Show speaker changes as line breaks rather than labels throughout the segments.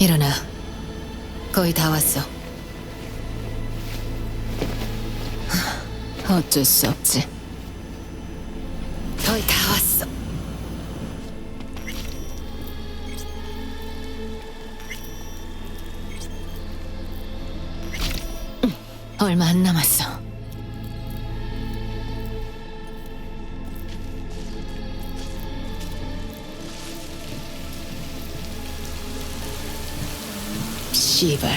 일어나. 거의 다 왔어. 어쩔 수 없지. 거의 다 왔어. 얼마 안 남았어. 씨발.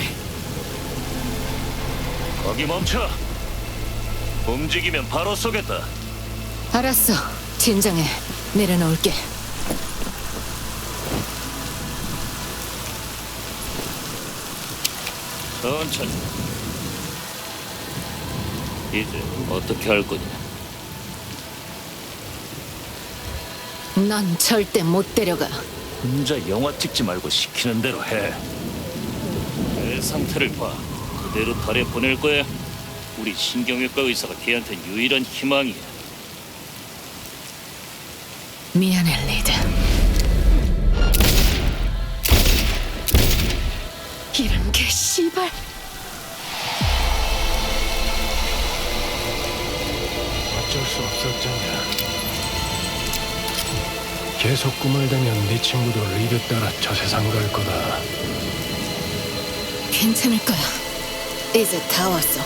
거기 멈춰. 움직이면 바로 쏘겠다.
알았어. 진정해. 내려놓을게.
천천히. 이제 어떻게 할 거냐?
넌 절대 못 데려가.
혼자 영화 찍지 말고 시키는 대로 해. 내 상태를 봐. 그대로 달에 보낼 거야. 우리 신경외과 의사가 걔한텐 유일한 희망이야.
미안해, 리드. 이런 게 씨발.
어쩔 수 없었잖냐. 계속 꿈을 대면 네 친구도 리드 따라 저 세상 갈 거다.
괜찮을 거야. 이제 다 왔어.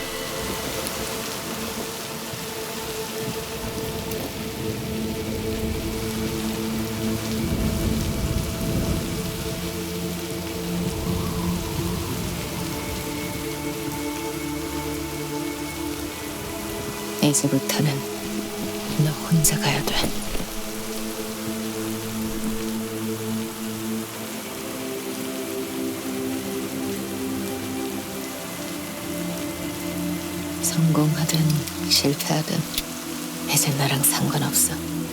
이제부터는 너 혼자 가야 돼. 성공하든 실패하든 이제 나랑 상관없어.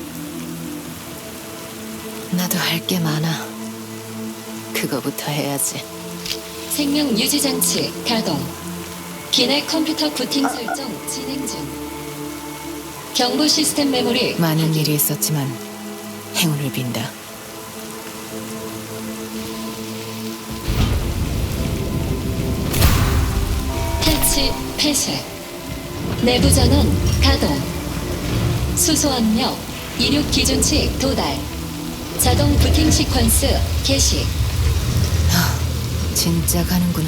나도 할 게 많아. 그거부터 해야지.
생명 유지 장치 가동. 기내 컴퓨터 부팅 설정 진행 중. 경보 시스템 메모리
많은 일이 있었지만 행운을 빈다.
패치 폐쇄. 내부 전원 가동. 수소 압력 이륙 기준치 도달. 자동 부팅 시퀀스 개시.
진짜 가는구나.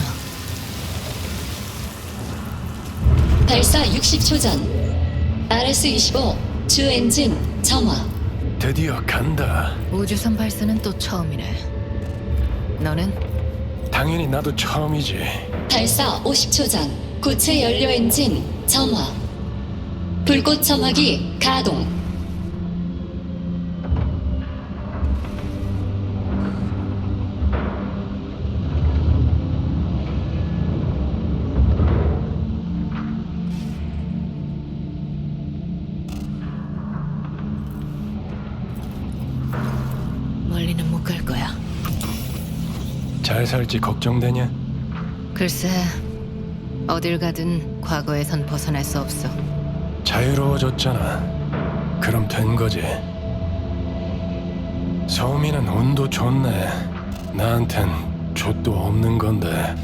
발사 60초 전. RS-25 주 엔진 점화.
드디어 간다.
우주선 발사는 또 처음이네. 너는?
당연히 나도 처음이지.
발사 50초 전. 고체 연료 엔진 점화. 불꽃 점화기 가동.
멀리는 못 갈 거야.
잘 살지 걱정되냐?
글쎄, 어딜 가든 과거에선 벗어날 수 없어.
자유로워졌잖아. 그럼 된 거지. 소민은 운도 좋네. 나한텐 족도 없는 건데.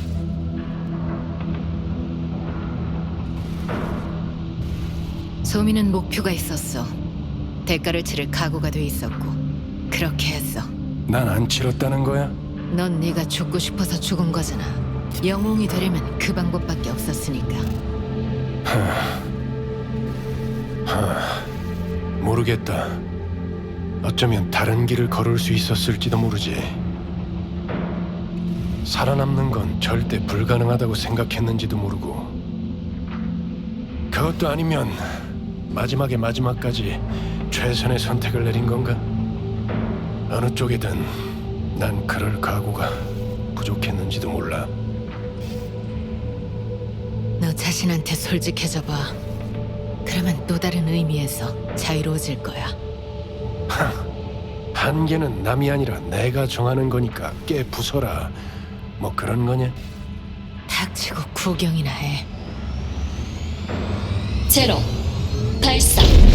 소민은 목표가 있었어. 대가를 치를 각오가 돼 있었고 그렇게 했어.
난 안 치렀다는 거야?
넌 네가 죽고 싶어서 죽은 거잖아. 영웅이 되려면 그 방법밖에 없었으니까.
모르겠다. 어쩌면 다른 길을 걸을 수 있었을지도 모르지. 살아남는 건 절대 불가능하다고 생각했는지도 모르고. 그것도 아니면 마지막에 마지막까지 최선의 선택을 내린 건가? 어느 쪽이든 난 그럴 각오가 부족했는지도 몰라.
너 자신한테 솔직해져 봐. 그러면 또 다른 의미에서 자유로워질 거야.
한계는 남이 아니라 내가 정하는 거니까 깨 부숴라. 뭐 그런 거냐?
닥치고 구경이나 해.
제로 발사.